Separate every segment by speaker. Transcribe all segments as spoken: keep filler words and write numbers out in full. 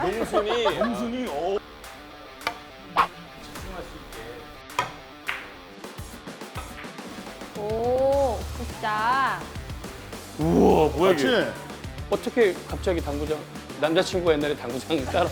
Speaker 1: 농순이.
Speaker 2: 농순이 어.
Speaker 1: 집중할 수 있게.
Speaker 3: 오, 진짜.
Speaker 1: 우와, 뭐야
Speaker 2: 그렇지.
Speaker 1: 이게? 어떻게 갑자기 당구장? 남자친구가 옛날에 당구장 따라.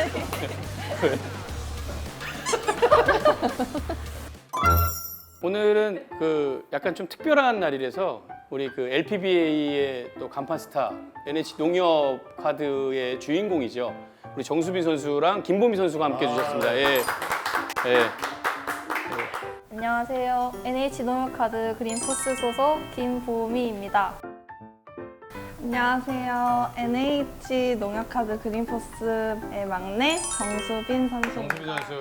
Speaker 1: 오늘은 그 약간 좀 특별한 날이라서 우리 그 엘피비에이의 또 간판 스타 엔에이치 농협 카드의 주인공이죠. 우리 정수빈 선수랑 김보미 선수가 함께 해주셨습니다. 예. 예.
Speaker 3: 안녕하세요. 엔에이치 농협카드 그린포스 소속 김보미입니다.
Speaker 4: 안녕하세요. 엔에이치 농협카드 그린포스의 막내 정수빈 선수입니다.
Speaker 1: 정수빈 선수.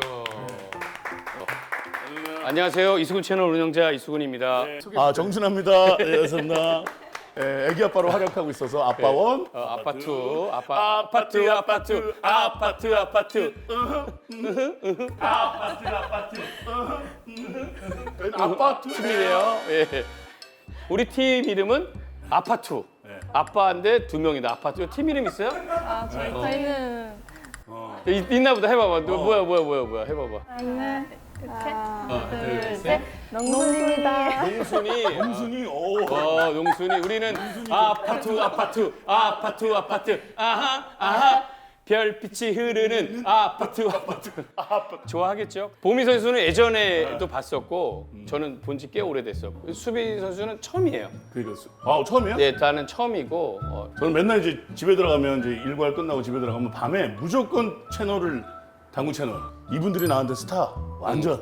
Speaker 1: 안녕하세요. 이수근 채널 운영자 이수근입니다.
Speaker 2: 아 정순합니다. 네, 여섯나. 예, 애기 아빠로 활약하고 있어서 아빠원.
Speaker 1: 어, 아파트, 아파, 아파트, 아파트, 아파트, 아파트.
Speaker 2: 아파트.
Speaker 1: 팀이래요. 예. 우리 팀 이름은 아파트. 아빠인데 두 명이다. 아파트. 팀 이름 있어요?
Speaker 4: 아, 저희, 저희는
Speaker 1: 있, 있나 보다. 해봐봐. 너 뭐야, 뭐야, 뭐야, 뭐야. 해봐봐.
Speaker 4: 저희는
Speaker 1: 하나, 둘,
Speaker 4: 둘,
Speaker 1: 셋.
Speaker 4: 셋. 농순입니다.
Speaker 1: 농순이.
Speaker 2: 농순이 어.
Speaker 1: 어, 농순이. 우리는 아파트, 아파트, 아파트, 아파트. 아하, 아하. 별빛이 흐르는 아파트, 아파트. 좋아하겠죠? 보미 선수는 예전에도 봤었고, 저는 본 지 꽤 오래됐었고, 수비 선수는 처음이에요.
Speaker 2: 그렇죠. 아 처음이에요?
Speaker 1: 네, 나는 처음이고, 어,
Speaker 2: 저는 맨날 이제 집에 들어가면 이제 일과를 끝나고 집에 들어가면 밤에 무조건 채널을 당구 채널. 이분들이 나한테 스타 완전.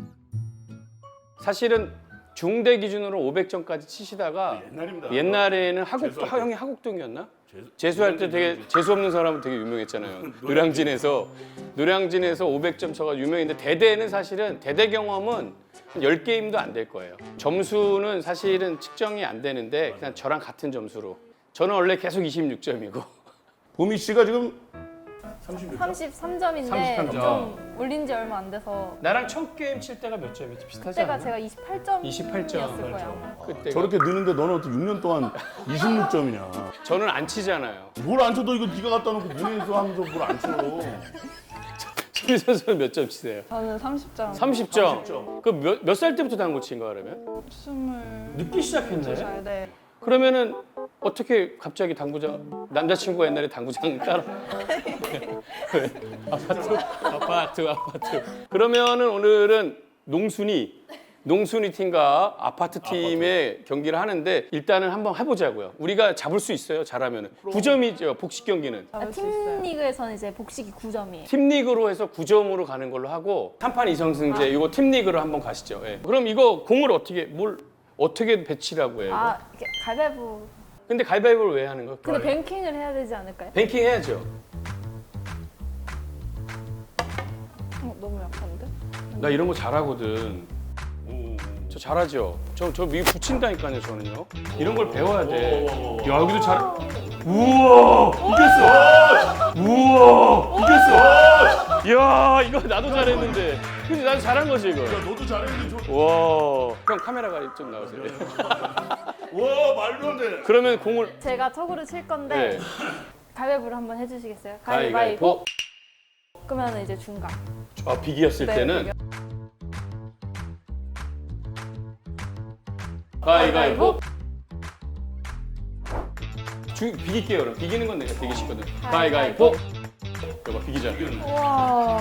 Speaker 1: 사실은 중대 기준으로 오백 점까지 치시다가
Speaker 2: 옛날입니다.
Speaker 1: 옛날에는 하곡,
Speaker 2: 재수할 때.
Speaker 1: 형이 하곡동이었나?
Speaker 2: 재수-
Speaker 1: 재수할 때 되게 재수 없는 사람은 되게 유명했잖아요. 노량진에서 노량진에서 오백 점 쳐가 유명했는데 대대는 사실은 대대 경험은 열 게임도 안 될 거예요. 점수는 사실은 측정이 안 되는데 그냥 저랑 같은 점수로. 저는 원래 계속 이십육 점이고
Speaker 2: 보미 씨가 지금
Speaker 3: 삼십삼 점인데
Speaker 1: 삼십삼 점.
Speaker 3: 좀 올린 지 얼마 안 돼서
Speaker 1: 나랑 첫 게임 칠 때가 몇 점이지? 비슷하지
Speaker 3: 그때가
Speaker 1: 않나?
Speaker 3: 제가 이십팔 점이었을
Speaker 1: 이십팔 점.
Speaker 3: 거예요.
Speaker 1: 그때
Speaker 2: 저렇게 느는데 너는 어떻게 육 년 동안 이십육 점이냐?
Speaker 1: 저는 안 치잖아요.
Speaker 2: 뭘 안 쳐도 이거 네가 갖다 놓고 문에서 하면서 뭘 안 쳐?
Speaker 1: 수비 선수는 몇 점 치세요?
Speaker 4: 저는 삼십 점.
Speaker 1: 삼십 점.
Speaker 2: 삼십 점.
Speaker 1: 그 몇 몇 살 때부터 당구 친 거야 그러면?
Speaker 4: 스물
Speaker 1: 늦게 시작했네.
Speaker 4: 살 네.
Speaker 1: 그러면은 어떻게 갑자기 당구장 남자친구가 옛날에 당구장 따라 왜? 아파트 아파트 아파트 그러면은 오늘은 농순이 농순이 팀과 아파트 팀의 경기를 하는데 일단은 한번 해보자고요. 우리가 잡을 수 있어요. 잘하면은 구 점이죠. 복식 경기는
Speaker 3: 아,
Speaker 4: 잡을 수
Speaker 3: 팀
Speaker 4: 있어요.
Speaker 3: 리그에서는 이제 복식이 구 점이에요.
Speaker 1: 팀 리그로 해서 구 점으로 가는 걸로 하고 삼 판 이 성승제 이거 팀 리그로 한번 가시죠. 예. 그럼 이거 공을 어떻게 뭘 어떻게 배치라고 해요?
Speaker 3: 아, 이렇게 가위바위보.
Speaker 1: 근데 가위바위보를 왜 하는 거야?
Speaker 3: 근데 뱅킹을 해야 되지 않을까요?
Speaker 1: 뱅킹 해야죠.
Speaker 4: 어, 너무 약한데?
Speaker 1: 나 이런 거 잘하거든. 저 잘하죠. 저 저 미 붙인다니까요, 저는요. 이런 걸 배워야 돼. 야, 여기도 잘. 우와, 이겼어. 우와, 이겼어. 야, 이거 나도 잘했는데. 근데 나도 잘한 거지 이거.
Speaker 2: 야 너도 잘했는데 저.
Speaker 1: 와, 형 카메라가 좀 나오세요.
Speaker 2: 와 말도 안 돼.
Speaker 1: 그러면 공을
Speaker 3: 제가 턱으로 칠 건데
Speaker 1: 네.
Speaker 3: 가위바위보를 한번 해주시겠어요?
Speaker 1: 가위바위보.
Speaker 3: 그러면 이제 중간.
Speaker 1: 아, 비기였을
Speaker 3: 네,
Speaker 1: 때는
Speaker 3: 비겨.
Speaker 1: 가위바위보. 주 비길게요, 그럼. 비기는 건 내가 되게 쉽거든. 가위바위보. 이거 봐, 비기자.
Speaker 3: 우와.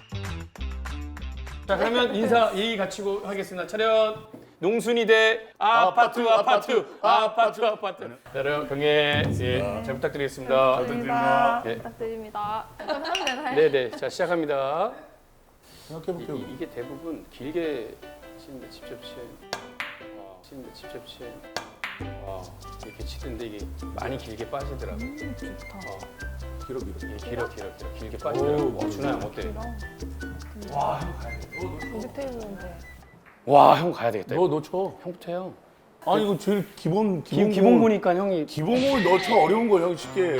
Speaker 1: 자, 그러면 인사 예의 갖추고 하겠습니다. 차렷. 농순이 대 아파트 아파트 아파트 아파트. 자, 그럼 경례 예, 잘 부탁드리겠습니다.
Speaker 2: 부탁드립니다.
Speaker 1: 예.
Speaker 3: 부탁드립니다. 그럼 하면 되나요?
Speaker 1: 네, 네. 자, 시작합니다.
Speaker 2: 생각해볼게요.
Speaker 1: 이, 이게 대부분 길게 치는데 직접 치. 와, 치는데 직접 치. 와, 이렇게 치는데 이게 많이 길게 빠지더라고.
Speaker 3: 좋다.
Speaker 1: 어,
Speaker 2: 길어 길어.
Speaker 1: 예, 길어 길어 길어 길게 빠지더라고. 어, 준하 형 어때? 와, 형 가야 돼.
Speaker 4: 여기 테이블인데.
Speaker 1: 와, 형 가야 되겠다.
Speaker 2: 너너 쳐.
Speaker 1: 형부터 해요.
Speaker 2: 아니 이거 제일 기본
Speaker 1: 기,
Speaker 2: 기본
Speaker 1: 기본
Speaker 2: 공-
Speaker 1: 보니까 형이
Speaker 2: 기본 공을 너 쳐 어려운 거 형 쉽게.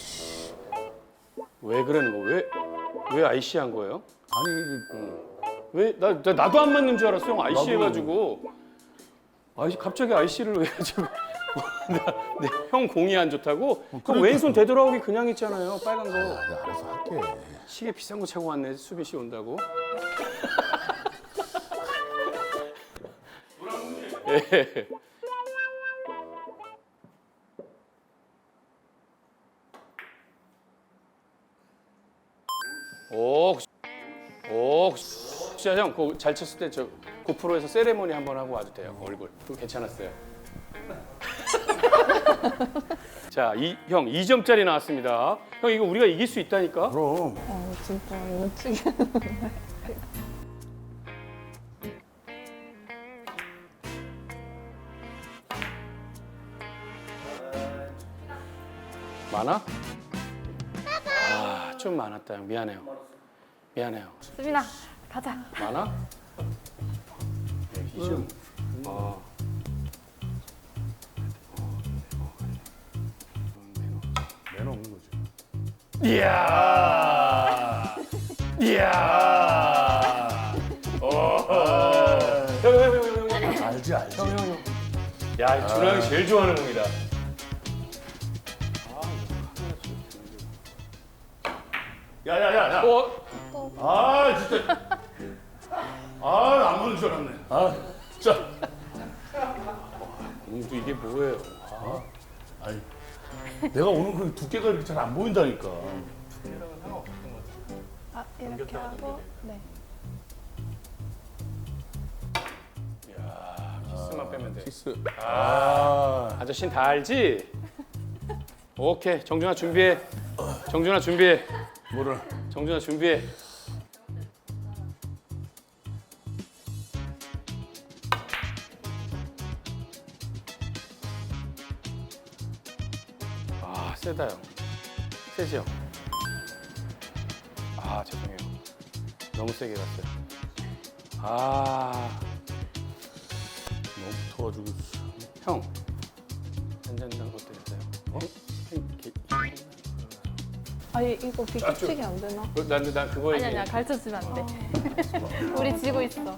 Speaker 2: 아이씨.
Speaker 1: 왜 그러는 거? 왜, 왜 아이씨 한 거예요?
Speaker 2: 아니
Speaker 1: 음. 왜? 나, 나 나도 안 맞는 줄 알았어. 형 아이씨
Speaker 2: 나도.
Speaker 1: 해가지고. 아이 갑자기 아이씨를 왜 해가지고. 나, 네, 형 공이 안 좋다고? 그럼
Speaker 2: 그러니까.
Speaker 1: 왼손 되돌아오기 그냥 있잖아요. 빨간 거.
Speaker 2: 내가 알아서 할게.
Speaker 1: 시계 비싼 거 차고 왔네. 수빈 씨 온다고. 예. 오, 오, 진짜 형, 그거 잘 쳤을 때 저 고프로에서 세레모니 한번 하고 와도 돼요. 얼굴. 그거 괜찮았어요. 자, 이, 형 이 점짜리 나왔습니다. 형 이거 우리가 이길 수 있다니까.
Speaker 2: 그럼.
Speaker 4: 어 진짜 멋지게.
Speaker 1: 많아? 아, 좀 많았다. 형. 미안해요. 미안해요.
Speaker 3: 수빈아 가자.
Speaker 1: 많아? 네, 이 점. 아.
Speaker 2: 매너 없는 거지.
Speaker 1: 이야. 이야. 오. 형, 형, 형, 형, 형, 형.
Speaker 2: 알지 알지.
Speaker 1: 형, 형, 형. 야, 준호 형이 제일 좋아하는 공이다.
Speaker 2: 야야야야.
Speaker 1: 어?
Speaker 2: 아 진짜. 아안 보는 줄 알았네. 아 진짜.
Speaker 1: 공도 이게 뭐예요?
Speaker 2: 아이. 내가 오늘 그 두께가 이렇게 잘 안 보인다니까.
Speaker 4: 아 이렇게 하고 네.
Speaker 1: 야, 키스만 빼면 돼.
Speaker 2: 키스.
Speaker 1: 아, 아저씨는 다 알지? 오케이, 정준아 준비해. 정준아 준비해.
Speaker 2: 뭐를?
Speaker 1: 정준아 준비해. 아, 세다 형. 세지 형. 아, 죄송해요. 너무 세게 갔어요. 아,
Speaker 2: 너무 붙어가지고.
Speaker 1: 형. 한잔당 것도 있어요. 어? 형,
Speaker 4: 아니 이거 비켜치기 안 되나?
Speaker 1: 어, 난, 난 그거
Speaker 3: 아니
Speaker 1: 얘기해.
Speaker 3: 아니야 가르쳐 주면 안 돼. 우리 지고 있어.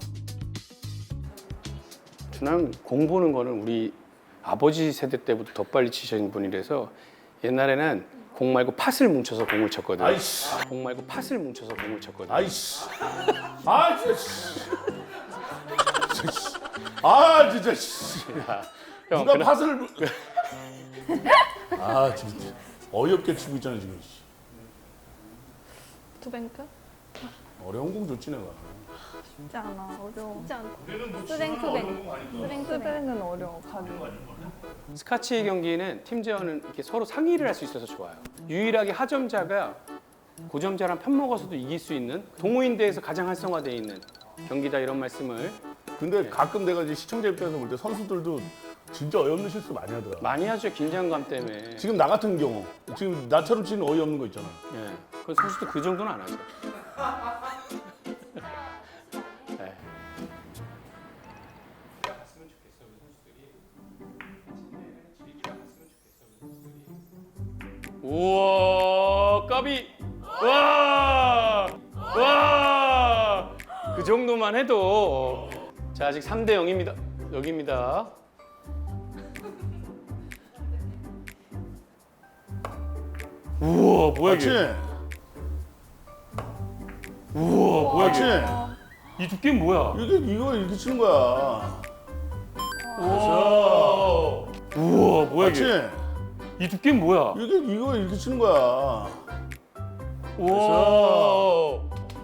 Speaker 1: 준항 공 보는 거는 우리 아버지 세대 때부터 더 빨리 치신 분이라서 옛날에는 공 말고 팥을 뭉쳐서 공을 쳤거든.
Speaker 2: 아이씨.
Speaker 1: 공 말고 팥을 뭉쳐서 공을 쳤거든.
Speaker 2: 아이씨. 아 진짜. 씨. 진짜, 씨. 아 진짜. 씨.
Speaker 1: 야, 형,
Speaker 2: 누가
Speaker 1: 그나-
Speaker 2: 팥을. 아 진짜. 어이없게 치고 있잖아 지금. 씨.
Speaker 4: 투뱅크?
Speaker 2: 어려운 공 줬지 내가.
Speaker 4: 쉽지 않아 어려워.
Speaker 3: 쉽지 않다. 수뱅 수뱅. 수뱅 수뱅.
Speaker 4: 투뱅은 어려워 가기.
Speaker 1: 스카치 경기는 팀 제어는 이렇게 서로 상의를 할 수 있어서 좋아요. 유일하게 하점자가 고점자랑 편먹어서도 이길 수 있는 동호인대에서 가장 활성화되어 있는 경기다 이런 말씀을
Speaker 2: 근데 가끔 내가 이제 시청자 입장에서 볼 때 선수들도 진짜 어이없는 실수 많이 하더라.
Speaker 1: 많이 하죠. 긴장감 때문에.
Speaker 2: 지금 나 같은 경우 지금 나처럼 치는 어이없는 거 있잖아.
Speaker 1: 예. 그 선수도 그 정도는 안 하죠. 네. 우와, 까비. 와! 와! 그 정도만 해도 자, 아직 삼 대 영입니다. 여기입니다. 우와, 뭐야
Speaker 2: 맞지?
Speaker 1: 이게? 우와, 뭐야
Speaker 2: 맞지?
Speaker 1: 이게? 이 두께는 뭐야?
Speaker 2: 이게 이거 이렇게 치는 거야.
Speaker 1: 우와. 우와, 뭐야
Speaker 2: 맞지?
Speaker 1: 이게? 이 두께는 뭐야?
Speaker 2: 이게 이거 이렇게 치는 거야.
Speaker 1: 우와.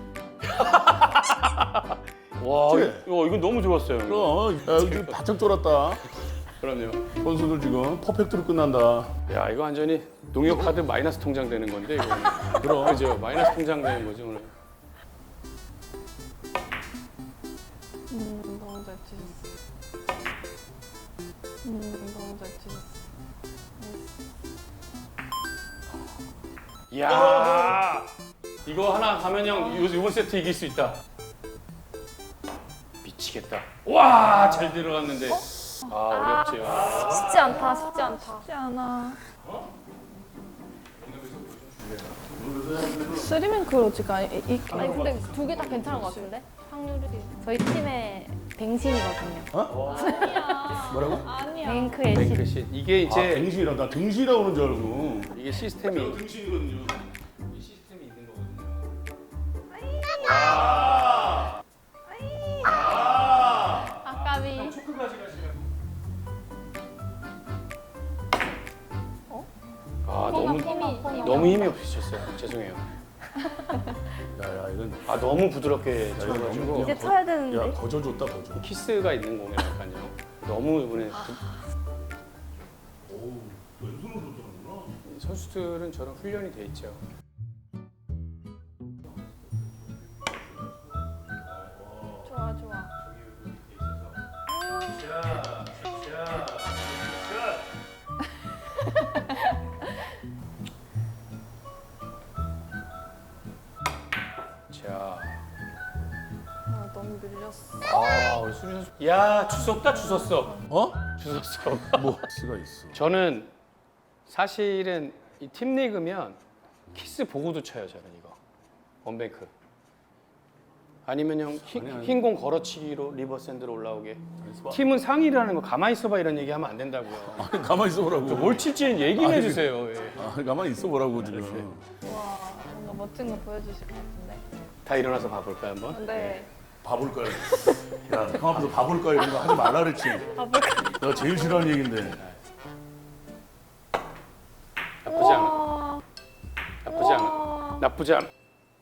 Speaker 1: 와,
Speaker 2: 그치?
Speaker 1: 이거, 이건 너무 좋았어요. 형님.
Speaker 2: 그럼 야, 여기 바짝 돌았다.
Speaker 1: 그럼요.
Speaker 2: 선수들 지금 퍼펙트로 끝난다.
Speaker 1: 야, 이거 완전히 농협 카드 마이너스 통장 되는 건데 이거.
Speaker 2: 그럼.
Speaker 1: 그죠? 마이너스 통장 되는 거죠 오늘.
Speaker 4: 음 너무 잘 치셨어. 음 너무 잘 치셨어.
Speaker 1: 이야, 이거 하나 가면 형 요- 요번 세트 이길 수 있다. 미치겠다. 와, 잘 들어갔는데. 아, 어렵지요.
Speaker 3: 쉽지 않다. 쉽지 않다.
Speaker 4: 쉽지 않아. 쓰리맨크로즈가 이, 이
Speaker 3: 아니 근데 두 개 다 괜찮은 것 같은데? 확률이 저희 팀의 뱅신이거든요.
Speaker 2: 뭐라고?
Speaker 4: 아니야.
Speaker 3: 뱅크의 신.
Speaker 1: 뱅크신 이게
Speaker 2: 아,
Speaker 1: 이제
Speaker 2: 댕신이라고 나 댕신이라고 그러는 줄 알고.
Speaker 1: 이게 시스템이
Speaker 2: 댕신이거든요.
Speaker 1: 이 시스템이 있는 거거든요.
Speaker 3: 아까비.
Speaker 1: 아
Speaker 3: 코너,
Speaker 1: 너무
Speaker 3: 코너, 코너.
Speaker 1: 너무 힘이 없으셨어요. 죄송해요.
Speaker 2: 야야 이건
Speaker 1: 아 너무 부드럽게
Speaker 2: 이거
Speaker 1: 쳐가지고
Speaker 2: 너무-
Speaker 3: 이제 쳐야
Speaker 2: 야
Speaker 3: 되는데.
Speaker 2: 거저 줬다 거저.
Speaker 1: 키스가 있는 공이라니까요. 너무 이번에 부-
Speaker 2: 오 왼손으로 줬다는구나.
Speaker 1: 선수들은 저런 훈련이 돼 있죠.
Speaker 3: 좋아 좋아.
Speaker 1: 자,
Speaker 4: 아, 너무 밀렸어.
Speaker 1: 아 우리 수리 선수, 야 주웠다 주웠어,
Speaker 2: 어?
Speaker 1: 주웠어.
Speaker 2: 뭐 X가 있어.
Speaker 1: 저는 사실은 이 팀 리그면 키스 보고도 쳐요 저는 이거 원뱅크. 아니면 형
Speaker 2: 아니, 아니.
Speaker 1: 흰 공 걸어치기로 리버샌드로 올라오게. 팀은 상의라는 거 가만히 있어봐 이런 얘기 하면 안 된다고요.
Speaker 2: 아니 가만히 있어 보라고.
Speaker 1: 뭘 칠지는 얘기 좀
Speaker 2: 아니,
Speaker 1: 해주세요. 예.
Speaker 2: 아 가만히 있어 보라고 지금.
Speaker 4: 와, 뭔가 멋진 거 보여주실 것 같은데.
Speaker 1: 다 일어나서 봐볼까요 한번?
Speaker 4: 네.
Speaker 2: 봐볼 거야. 야, 형 앞에서 봐볼 거야 이런 거 하지 말라 그랬지. 내가 제일 싫어하는 얘긴데.
Speaker 1: 나쁘지 않아. 나쁘지 않아. 나쁘지 않아.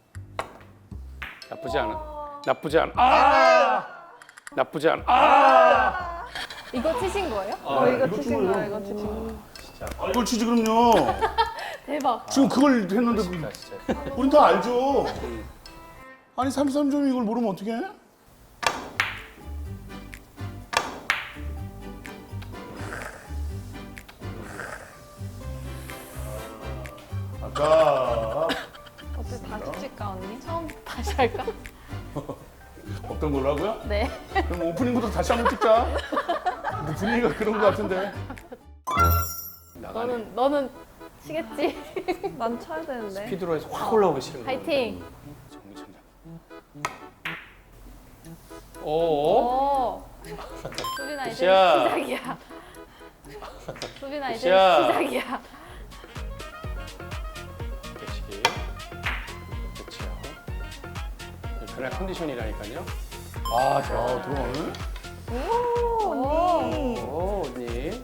Speaker 1: 나쁘지 않아. 나쁘지 않아. 아! 나쁘지 않아. 아!
Speaker 3: 이거 치신 거예요?
Speaker 4: 어, 이거
Speaker 2: 이거
Speaker 4: 치신
Speaker 2: 찍어요.
Speaker 4: 거야, 이거 치신 거.
Speaker 2: 아, 이걸 치지 그럼요.
Speaker 3: 대박.
Speaker 2: 지금 그걸 했는데
Speaker 1: 진짜 진짜.
Speaker 2: 우린 다 알죠. 아니 삼십삼 점 이걸 모르면 어떡해? 아까
Speaker 4: 어때, 다시 칠까, 언니?
Speaker 3: 처음부터 다시 할까?
Speaker 2: 어떤 걸로 하고요?
Speaker 3: 네.
Speaker 2: 그럼 오프닝부터 다시 한번 찍자. 뭐 분위기가 그런 거 같은데.
Speaker 1: 나가네.
Speaker 3: 너는 너는 치겠지?
Speaker 4: 난 쳐야 되는데.
Speaker 1: 피드로 해서 확 올라오기 싫은 거.
Speaker 3: 파이팅.
Speaker 1: 정리천장. 오.
Speaker 3: 오. 수빈아 이제
Speaker 1: 굿샷.
Speaker 3: 시작이야. 수빈아 이제
Speaker 1: 굿샷.
Speaker 3: 시작이야.
Speaker 1: 배치기. 배치하고. 그날 컨디션이라니까요. 아, 좋아.
Speaker 2: 아 들어가네.
Speaker 3: 오.
Speaker 1: 오, 언니.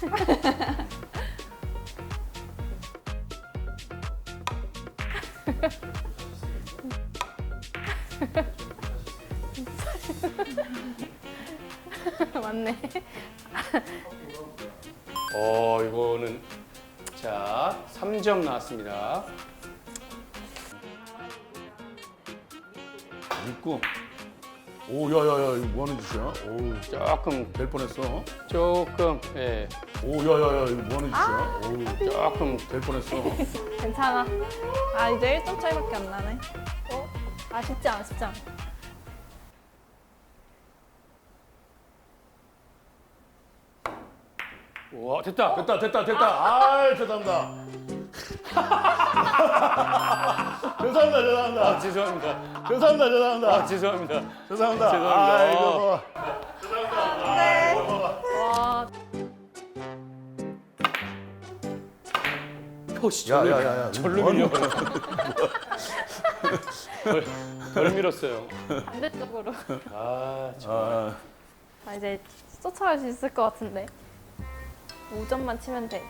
Speaker 3: 맞네.
Speaker 1: 어, 이거는 자, 삼 점 나왔습니다.
Speaker 2: 있고. 오 야야야 이거 뭐 하는 짓이야? 오,
Speaker 1: 조금
Speaker 2: 될 뻔했어.
Speaker 1: 조금 예.
Speaker 2: 오 야야야 이거 뭐 하는 짓이야? 오,
Speaker 1: 조금
Speaker 2: 될 뻔했어.
Speaker 3: 괜찮아.
Speaker 4: 아, 이제 일 점 차이밖에 안 나네.
Speaker 3: 어? 아 쉽지 않아 쉽지 않아.
Speaker 1: 와, 됐다.
Speaker 2: 됐다 됐다 됐다. 아 죄송합니다. 죄송합니다 죄송합니다.
Speaker 1: 아, 죄송합니다.
Speaker 2: 죄송합니다 죄송합니다.
Speaker 1: 아, 죄송합니다.
Speaker 2: 죄송합니다.
Speaker 1: 죄송합니다.
Speaker 2: 아 이거 뭐.
Speaker 3: 와.
Speaker 1: 포시
Speaker 2: 야,
Speaker 1: 절로
Speaker 2: 야, 야, 야.
Speaker 1: 절로
Speaker 2: 뭐 하는
Speaker 1: 밀려. 덜, 덜 밀었어요.
Speaker 3: 반대쪽으로.
Speaker 1: 아, 참.
Speaker 2: 아,
Speaker 3: 아 이제 쫓아갈 수 있을 것 같은데. 오 점만 치면 돼.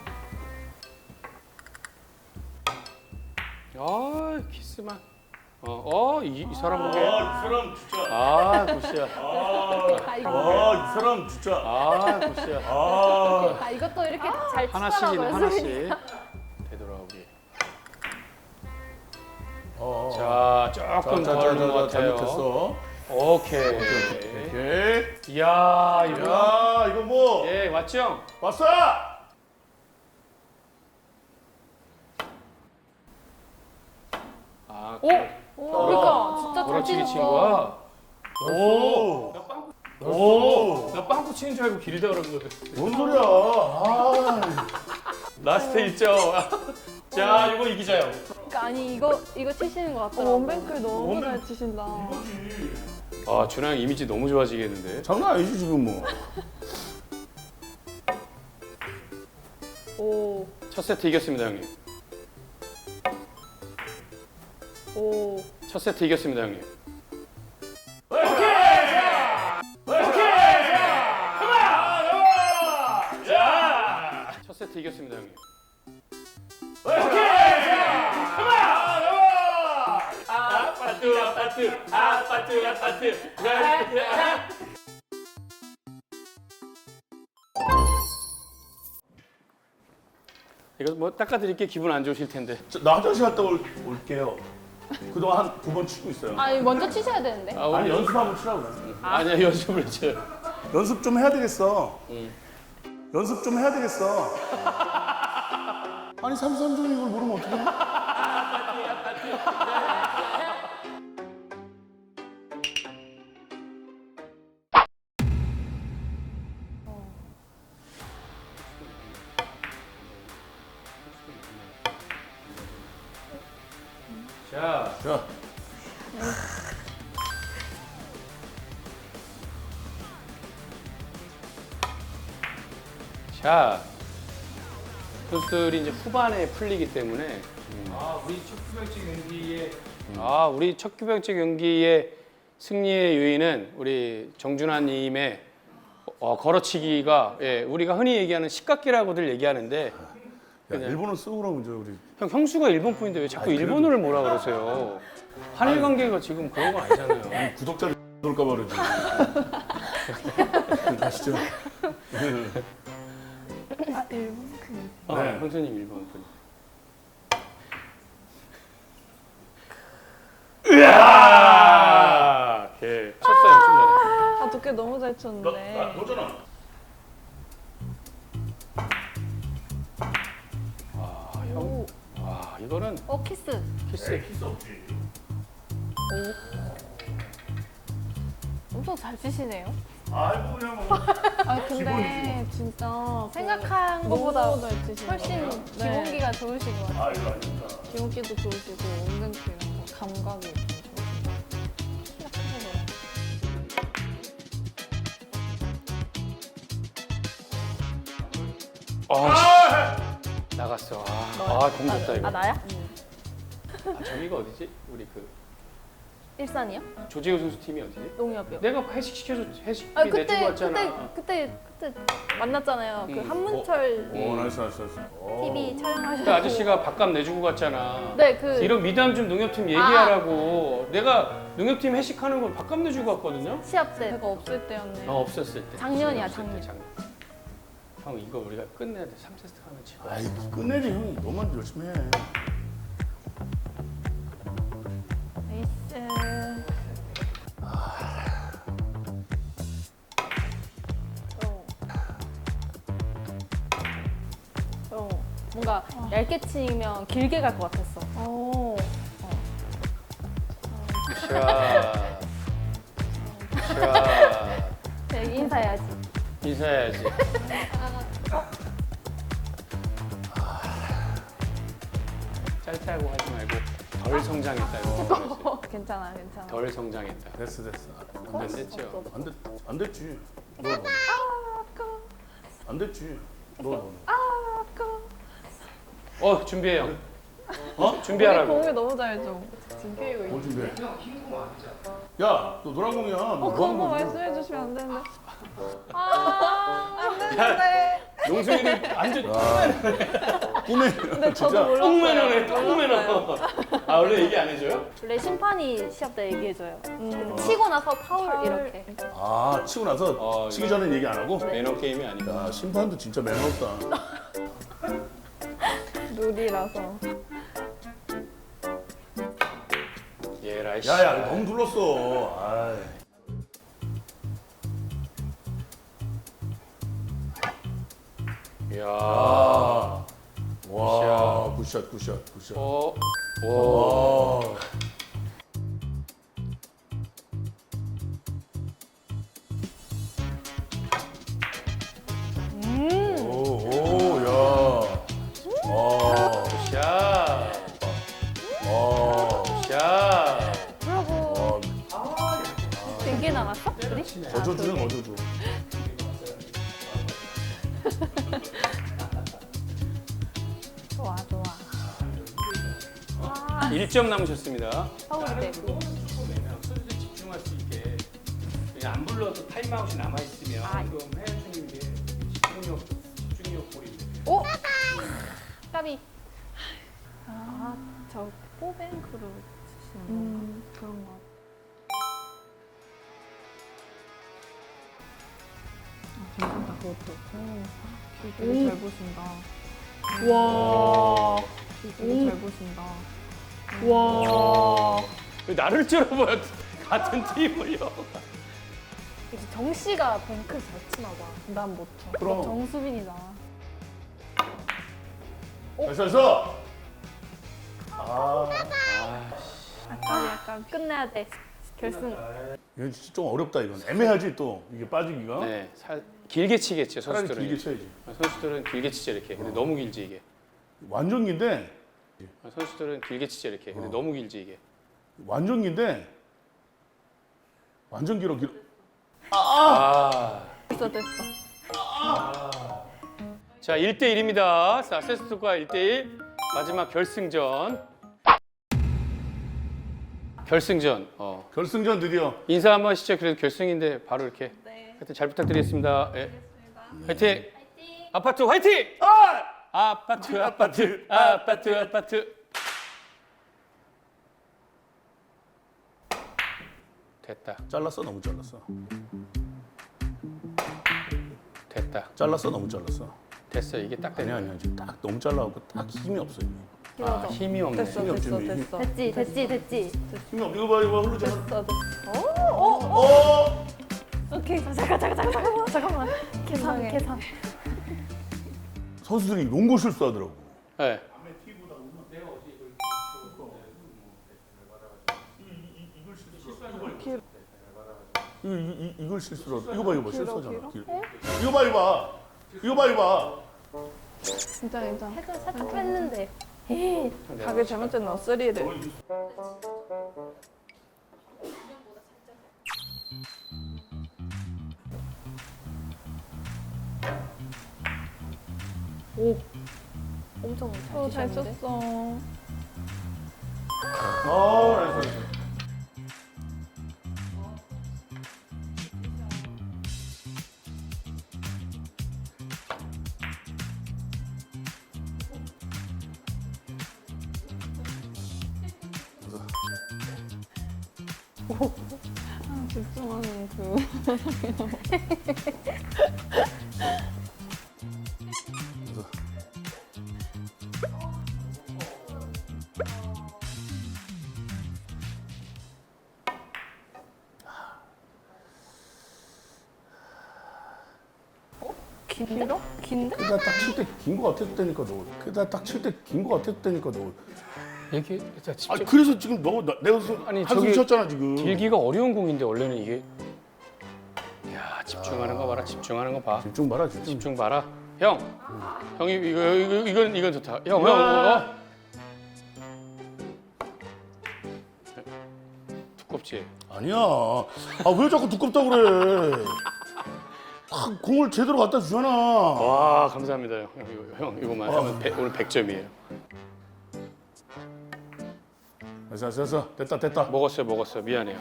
Speaker 1: 아, 키스만. 어, 어, 이, 이 사람 보게.
Speaker 2: 아, 이 사람 진짜.
Speaker 1: 아, 굿이야.
Speaker 3: 아 이거.
Speaker 2: 아, 이 사람 진짜.
Speaker 1: 아, 굿이야.
Speaker 2: 아,
Speaker 3: 아 이것도 이렇게 잘
Speaker 1: 하나씩이네,
Speaker 3: 치더라고요.
Speaker 1: 하나씩.
Speaker 3: 수빈이.
Speaker 1: 되돌아오기.
Speaker 2: 어.
Speaker 1: 자,
Speaker 2: 자,
Speaker 1: 조금
Speaker 2: 자,
Speaker 1: 더
Speaker 2: 자,
Speaker 1: 하는 것
Speaker 2: 자,
Speaker 1: 같아요.
Speaker 2: 잘못했어.
Speaker 1: 오케이.
Speaker 2: 오케이.
Speaker 1: 이야, 이거.
Speaker 2: 야, 이거 뭐?
Speaker 1: 예, 왔죠?
Speaker 2: 왔어!
Speaker 1: 아,
Speaker 3: 오. 오 그러니까 진짜 잘
Speaker 1: 그렇지, 친
Speaker 3: 치셨어.
Speaker 1: 거야.
Speaker 2: 오,
Speaker 1: 오,
Speaker 2: 오,
Speaker 1: 나 빵꾸 치는 줄 알고 길다 그런 거였어.
Speaker 2: 뭔 소리야? 아,
Speaker 1: 라스트 일 점. 자, 이거 이기자요.
Speaker 3: 그러니까 아니 이거 이거 치시는 것
Speaker 4: 어,
Speaker 3: 같더라고.
Speaker 4: 원뱅클 너무
Speaker 2: 원뱅-
Speaker 4: 잘 치신다.
Speaker 1: 아 준하 형 이미지 너무 좋아지겠는데.
Speaker 2: 장난 아니지 지금 뭐.
Speaker 4: 오,
Speaker 1: 첫 세트 이겼습니다 형님.
Speaker 4: 오.
Speaker 1: 첫 세트 이겼습니다 형님. 첫 세트 이겼습니다 형님. 아파트 아파트 아파트 아파트. 이거 뭐 닦아드릴게 기분 안 좋으실 텐데.
Speaker 2: 저, 나 화장실 갔다 올, 올게요. 그동안 한 두 번 치고 있어요.
Speaker 3: 아니 먼저 치셔야 되는데.
Speaker 1: 아,
Speaker 2: 아니
Speaker 1: 오늘
Speaker 2: 연습 한번 치라고 그래.
Speaker 1: 아니야 연습을 쳐요.
Speaker 2: 연습 좀 해야 되겠어.
Speaker 1: 응.
Speaker 2: 연습 좀 해야 되겠어. 아니 삼삼종 이걸 모르면 어떡해?
Speaker 1: 자,
Speaker 2: 자,
Speaker 1: 자, 선수들이 이제 후반에 풀리기 때문에 아 우리 첫 규병제 경기에 아 우리 첫 규병제 경기의 승리의 요인은 우리 정준하님의 어, 걸어치기가 예, 우리가 흔히 얘기하는 식각기라고들 얘기하는데
Speaker 2: 야,
Speaker 1: 그냥-
Speaker 2: 일본어 쓰고 그러면 저 우리
Speaker 1: 형 형수가 일본 분인데 왜 자꾸
Speaker 2: 아니, 그래도-
Speaker 1: 일본어를 뭐라 그러세요? 한일 관계가 지금 그런 거 아니잖아요.
Speaker 2: 구독자들 놀까 봐 그러지. 가시죠.
Speaker 4: 아, 일본 그.
Speaker 1: 아,
Speaker 2: 네.
Speaker 1: 형수님 일본 분. 으아! 오케이. 쳤어요, 쳤어요.
Speaker 4: 아, 두께 너무 잘 쳤는데.
Speaker 2: 나 너잖아.
Speaker 1: 아, 형. 와, 이거는
Speaker 3: 어 키스.
Speaker 1: 키스.
Speaker 2: 키스 없지.
Speaker 3: 엄청 잘 치시네요.
Speaker 2: 아이고 그냥 뭐.
Speaker 4: 아, 근데 진짜
Speaker 3: 생각한
Speaker 4: 그
Speaker 3: 것보다
Speaker 4: 너무 잘 치신다.
Speaker 3: 훨씬
Speaker 4: 네.
Speaker 3: 기본기가 좋으신 것 같아요.
Speaker 2: 아이고 아닙니다.
Speaker 4: 기본기도 좋으시고 원뱅클 이런 거 감각이 좀 좋으시고. 키가 크셔서.
Speaker 1: 아, 씨. 나갔어. 아, 아, 공 줬다 이거.
Speaker 3: 아 나야?
Speaker 1: 아, 저기가 어디지? 우리 그
Speaker 3: 일산이요?
Speaker 1: 조재호 선수 팀이 어디지?
Speaker 3: 농협이요.
Speaker 1: 내가 회식 시켜줘 회식비
Speaker 3: 아
Speaker 1: 내주고
Speaker 3: 그때
Speaker 1: 왔잖아.
Speaker 3: 그때 그때 그때 만났잖아요. 그
Speaker 1: 음.
Speaker 3: 한문철
Speaker 2: 오 나이스 나이스 나이스. 오.
Speaker 3: 티비 촬영하셨고.
Speaker 1: 그 아저씨가 밥값 내주고 갔잖아.
Speaker 3: 네, 그
Speaker 1: 이런 미담 좀 농협팀 얘기하라고. 내가 농협팀 회식하는 걸 밥값 내주고 갔거든요.
Speaker 3: 시합 때
Speaker 4: 제가 없을 때였네요.
Speaker 1: 어 없었을 때.
Speaker 3: 작년이야,
Speaker 1: 없을 때,
Speaker 3: 작년.
Speaker 1: 형 이거 우리가 끝내야 돼. 삼 세트 하면 지고.
Speaker 2: 아이 끝내지 형. 너만 열심히 해.
Speaker 3: 에이스. 어, 뭔가 얇게 치면 길게 갈 것 같았어.
Speaker 4: 오.
Speaker 1: 샤. 샤.
Speaker 3: 여기 인사해야지.
Speaker 1: 인사해야지. 짧다고 하지 말고 덜 성장했다 이거.
Speaker 4: 괜찮아요, 괜찮아요.
Speaker 1: 덜 성장했다.
Speaker 2: 됐어 됐어.
Speaker 1: 안 됐죠?
Speaker 2: 안 됐, 안 됐지. 너 너. 안 됐지. 너 너.
Speaker 1: 어 준비해요. 어
Speaker 4: 우리
Speaker 1: 준비하라고.
Speaker 4: 공을 너무 잘 줘. 지금 피고
Speaker 2: 뭘
Speaker 4: 있어.
Speaker 2: 준비해? 야, 너 노란 공이야. 너
Speaker 4: 어,
Speaker 2: 뭐
Speaker 4: 그런
Speaker 2: 하는
Speaker 4: 거
Speaker 2: 거지?
Speaker 4: 말씀해 주시면 안 되는데.
Speaker 1: 용수이를 완전
Speaker 2: 꿈에.
Speaker 4: 근데 저도
Speaker 2: 진짜.
Speaker 4: 몰랐어요.
Speaker 1: 똥 매너네 똥 매너. 아 원래 얘기 안 해줘요?
Speaker 3: 원래 심판이 시합 때 얘기해줘요.
Speaker 4: 음.
Speaker 3: 치고 나서 파울,
Speaker 4: 파울.
Speaker 3: 이렇게.
Speaker 2: 아, 치고 나서
Speaker 1: 어,
Speaker 2: 치기
Speaker 1: 이거-
Speaker 2: 전에 얘기 안 하고?
Speaker 1: 매너 게임이 아니고.
Speaker 2: 야, 심판도 진짜 매너 없다.
Speaker 4: 룰이라서.
Speaker 1: 얘라 씨.
Speaker 2: 야, 야, 너무 눌렀어. 아이.
Speaker 1: 이야.
Speaker 2: 아. 와, 굿샷, 굿샷, 굿샷.
Speaker 1: 어. 오.
Speaker 2: 와. 오, 오, 야. 와.
Speaker 1: 샷.
Speaker 3: 개 남았어? 우리?
Speaker 2: 어저주는 어저주.
Speaker 3: 좋아 좋아.
Speaker 1: 일 점 남으셨습니다.
Speaker 3: 서울 대비.
Speaker 1: 선수들 집중할 수 있게 그냥 안 불러도 타임아웃이 남아 있으면
Speaker 3: 아.
Speaker 1: 그럼 해야 되는 게 집중력 집중력 볼인데.
Speaker 3: 오! 까비. 아, 저 포뱅크로 치시는 건가?
Speaker 4: 음, 그런 거 같아. 아, 괜찮다, 그것도. 오, 되게 잘 보신다.
Speaker 3: 와.
Speaker 4: 되게 잘 보신다.
Speaker 3: 와.
Speaker 1: 왜 나를 쩔어봐요. 같은 팀을요.
Speaker 3: 이제 정 씨가 뱅크 잘 치나 봐.
Speaker 4: 난 못 쳐.
Speaker 2: 그럼.
Speaker 3: 정수빈이잖아.
Speaker 2: 됐어 됐어. 아,
Speaker 3: 아까 약간 끝내야 돼. 결승.
Speaker 2: 이건 진짜 좀 어렵다 이건. 애매하지 또 이게 빠지기가.
Speaker 1: 네, 살, 길게 치겠죠
Speaker 2: 차라리
Speaker 1: 선수들은.
Speaker 2: 길게 쳐야지.
Speaker 1: 선수들은 길게 치죠 이렇게. 근데 너무 길지 이게.
Speaker 2: 완전 긴데
Speaker 1: 선수들은 길게 치죠 이렇게. 근데
Speaker 2: 어.
Speaker 1: 너무 길지 이게.
Speaker 2: 완전 긴데 완전 길어 길어.
Speaker 1: 아.
Speaker 3: 됐어 됐어.
Speaker 1: 자, 일 대 일입니다. 자, 세스트과 일 대 일. 마지막 결승전. 결승전. 어.
Speaker 2: 결승전 드디어.
Speaker 1: 인사 한번 하시죠. 그래도 결승인데 바로 이렇게.
Speaker 3: 네.
Speaker 1: 하여튼 잘 부탁드리겠습니다. 예. 화이팅! 아파트 화이팅!
Speaker 2: 아!
Speaker 1: 아파트 아파트 아파트 아파트. 됐다.
Speaker 2: 잘랐어 너무 잘랐어.
Speaker 1: 됐다.
Speaker 2: 잘랐어 너무 잘랐어.
Speaker 1: 됐어. 이게 딱 되네.
Speaker 2: 아니야 아니야 지금 딱 너무 잘라갖고 딱 힘이 없어 이게.
Speaker 1: 아,
Speaker 3: 길어져.
Speaker 1: 힘이 없네.
Speaker 4: 됐어,
Speaker 2: 힘이 없지,
Speaker 4: 됐어,
Speaker 2: 힘이.
Speaker 4: 됐어.
Speaker 3: 됐지 됐지 됐지.
Speaker 2: 힘이 없. 이거 봐 이거 봐 흐르잖아.
Speaker 3: 됐어 됐어.
Speaker 2: 어?
Speaker 3: 오케이. 잠깐 잠깐 잠깐 잠깐만 잠깐만. 계산
Speaker 4: 이상해.
Speaker 3: 계산.
Speaker 2: 선수들이 이런 거 실수하더라고.
Speaker 1: 네.
Speaker 2: 이거 이, 이, 이걸 실수로 이거 봐 이거 봐
Speaker 4: 길어,
Speaker 2: 실수하잖아.
Speaker 4: 길어?
Speaker 2: 길. 이거 봐 이거 봐. 이거 봐 이거 봐.
Speaker 4: 진짜 괜찮아.
Speaker 3: 살짝 살짝 뺐는데. 에이.
Speaker 4: 가게 잘못됐나? 쓰리를.
Speaker 3: 엄청 잘
Speaker 4: 어, 잘
Speaker 3: 치셨는데?
Speaker 4: 쳤어.
Speaker 2: 아, 나이스, 나이스.
Speaker 4: 아, 집중하는 그.
Speaker 3: 긴데? 긴데?
Speaker 2: 그다 딱 칠 때 긴 거 같았다니까 너. 그다 딱 칠 때 긴 거 같았다니까 너.
Speaker 1: 이게 자,
Speaker 2: 아
Speaker 1: 집중.
Speaker 2: 그래서 지금 너 나, 내가 수,
Speaker 1: 아니,
Speaker 2: 한숨
Speaker 1: 저기
Speaker 2: 쉬었잖아 지금.
Speaker 1: 길기가 어려운 공인데 원래는 이게. 야, 집중하는 거 봐라. 집중하는 거 봐.
Speaker 2: 집중 봐라 집중.
Speaker 1: 집중 봐라. 형. 형이 이거 이거 이건 이건 좋다. 형, 형. 어? 두껍지?
Speaker 2: 아니야. 아 왜 자꾸 두껍다 그래. 딱 공을 제대로 갖다 주잖아.
Speaker 1: 와, 감사합니다, 형. 형, 이거, 형 이거만 하면 백- 오늘 백 점이에요.
Speaker 2: 됐어 됐어 됐다 됐다.
Speaker 1: 먹었어요, 먹었어요. 미안해요.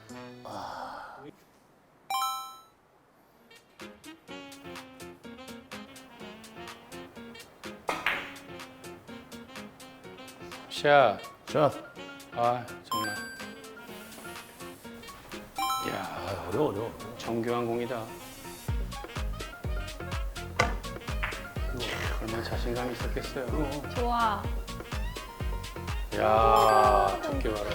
Speaker 1: 샷.
Speaker 2: 자,
Speaker 1: 아, 정말. 야,
Speaker 2: 아, 어려워 어려워.
Speaker 1: 정교한 공이다. 얼마나 자신감이 있었겠어요.
Speaker 3: 좋아.
Speaker 1: 야, 좋게 봐라.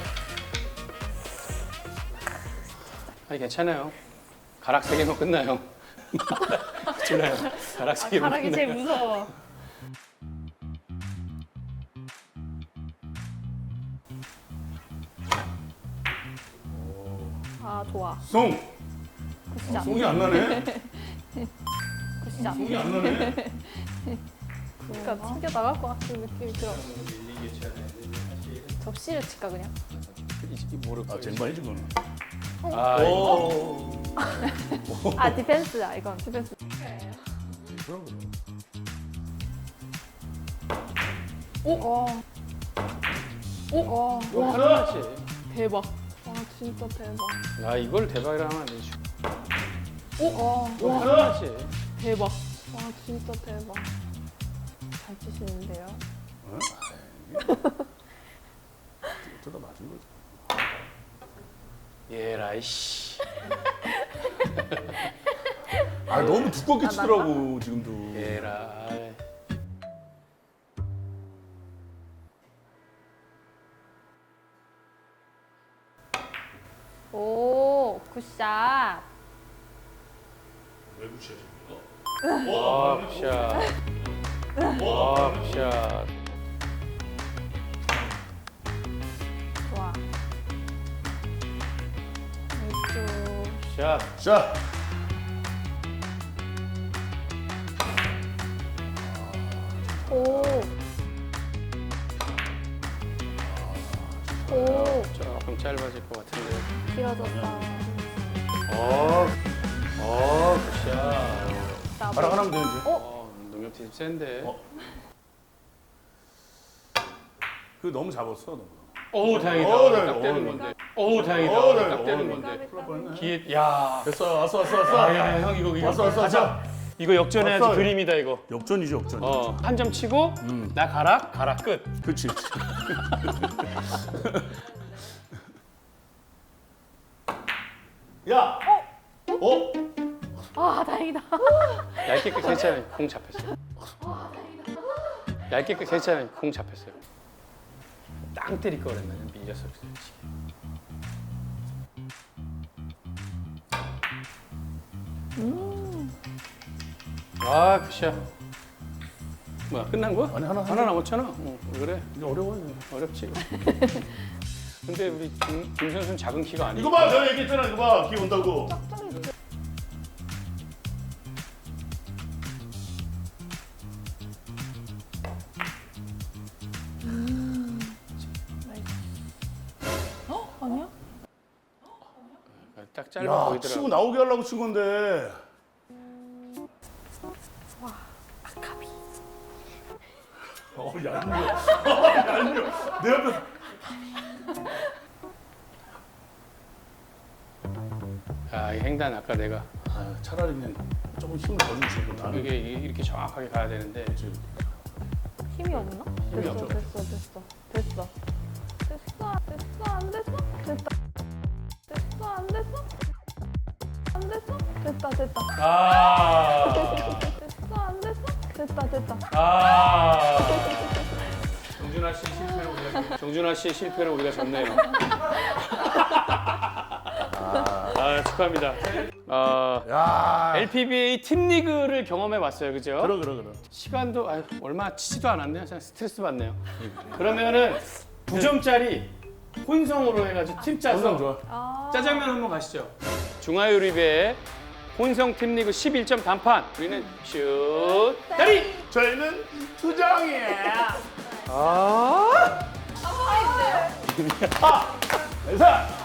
Speaker 1: 아니 괜찮아요. 가락 세 개면 끝나요. 괜찮아요. 가락 세 개면
Speaker 3: 가락이 제일
Speaker 1: 끝나요.
Speaker 3: 무서워. 아 좋아.
Speaker 2: 송.
Speaker 3: 굿샷.
Speaker 2: 송이 안 나네.
Speaker 3: 굿샷.
Speaker 2: 송이 안 나네.
Speaker 3: 그러니까 튕겨 나갈 것 같은 느낌이 들어. 접시를 칠까 그냥?
Speaker 1: 이- 이 모를
Speaker 2: 아
Speaker 1: 거예요.
Speaker 2: 쟁반이지 그거는.
Speaker 1: 아, 이거.
Speaker 2: 오.
Speaker 3: 아 디펜스야 이건 디펜스.
Speaker 2: 그런 거.
Speaker 4: 오! 오! 와,
Speaker 1: 이거
Speaker 4: 와,
Speaker 1: 하나지.
Speaker 4: 대박. 와, 진짜 대박.
Speaker 1: 아, 이걸 대박이라 하면 안 되지.
Speaker 4: 오! 와,
Speaker 1: 이거
Speaker 4: 와,
Speaker 1: 하나지.
Speaker 4: 대박. 와, 진짜 대박. 잘 치시는데요?
Speaker 2: 뜯어 맞은 거지.
Speaker 1: 얘라 씨.
Speaker 2: 아 너무 두껍게 치더라고 지금도.
Speaker 1: 얘라.
Speaker 3: 오 굿샷.
Speaker 2: 왜 붙여 지금?
Speaker 1: 와, 굿샷. 와, 굿샷.
Speaker 3: 좋아. 나이스.
Speaker 1: 샷.
Speaker 2: 자.
Speaker 3: 오. 오.
Speaker 1: 조금 짧아질 것 같은데.
Speaker 3: 길어졌다.
Speaker 1: 어, 어, 굿샷.
Speaker 3: 나
Speaker 2: 바람 하나면 되는지.
Speaker 1: 어, 농협팀 센데.
Speaker 2: 어. 그 너무 잡았어 너무.
Speaker 1: 오, 다행이다.
Speaker 2: 어, 네,
Speaker 1: 딱
Speaker 2: 어,
Speaker 1: 되는
Speaker 2: 네.
Speaker 1: 건데. 오, 다행이다.
Speaker 2: 어, 네,
Speaker 1: 딱
Speaker 2: 어,
Speaker 1: 되는
Speaker 2: 네.
Speaker 1: 건데.
Speaker 2: 큰일 날 뻔했네.
Speaker 1: 기회, 야.
Speaker 2: 됐어 왔어 왔어 왔어.
Speaker 1: 아, 야, 형 이거 이거
Speaker 2: 왔어 왔어
Speaker 1: 가자.
Speaker 2: 왔어.
Speaker 1: 이거 역전해야지
Speaker 2: 왔어요.
Speaker 1: 그림이다 이거.
Speaker 2: 역전이지 역전.
Speaker 1: 어, 한 점 치고
Speaker 2: 음.
Speaker 1: 나 가라, 가라 끝.
Speaker 2: 그렇지. 야. 어?
Speaker 3: 아 다행이다.
Speaker 1: 얇게 끝 괜찮아요. 공 잡혔어. 얇게 끝 괜찮아요. 공 잡혔어요. 땅 때릴 거 그랬나 밀렸어. 아, 굿샷. 뭐야 끝난 거야?
Speaker 2: 아니, 하나,
Speaker 1: 하나 남았잖아. 어, 왜 그래?
Speaker 2: 이제 어려워요.
Speaker 1: 어렵지. 근데 우리 김, 김 선수는 작은 키가 아니고.
Speaker 2: 이거 봐, 내가 얘기했잖아. 이거 봐, 기 온다고.
Speaker 4: 어? 아니야?
Speaker 1: 딱 짧아
Speaker 2: 야,
Speaker 1: 보이더라고.
Speaker 2: 치고 나오게 하려고 친 건데.
Speaker 3: 아카비.
Speaker 2: 어, 얄미워. 어, 얄미워. 내 옆에.
Speaker 1: 아, 이 횡단 아까 내가
Speaker 2: 아, 차라리 그냥 조금 힘을 더 주지. 나는
Speaker 1: 이게 이렇게 정확하게 가야 되는데
Speaker 2: 지금
Speaker 3: 힘이 없나?
Speaker 1: 힘이
Speaker 4: 됐어,
Speaker 1: 없죠.
Speaker 4: 됐어, 됐어. 됐어.
Speaker 3: 됐어 됐어 안 됐어? 됐다. 됐어 안 됐어? 안 됐어?
Speaker 4: 됐다, 됐다.
Speaker 1: 아,
Speaker 3: 됐어 안 됐어?
Speaker 4: 됐다, 됐다.
Speaker 1: 아. 정준하 씨 실패로 우리가 정준하 씨 실패로 우리가 졌네요. 아, 축하합니다. 아,
Speaker 2: 야.
Speaker 1: 엘피비에이 팀 리그를 경험해 봤어요, 그죠?
Speaker 2: 그러 그러 그러.
Speaker 1: 시간도 아유, 얼마 치지도 않았네요. 그냥 스트레스 받네요. 그러면은 구 점짜리 혼성으로 해가지고 팀 짜서
Speaker 2: 항상 좋아.
Speaker 3: 아.
Speaker 1: 짜장면 한번 가시죠. 중화요리배 혼성 팀 리그 십일 점 단판. 우리는 슛 다리.
Speaker 2: 저희는 투정이에요.
Speaker 1: 아.
Speaker 2: 아, 회사.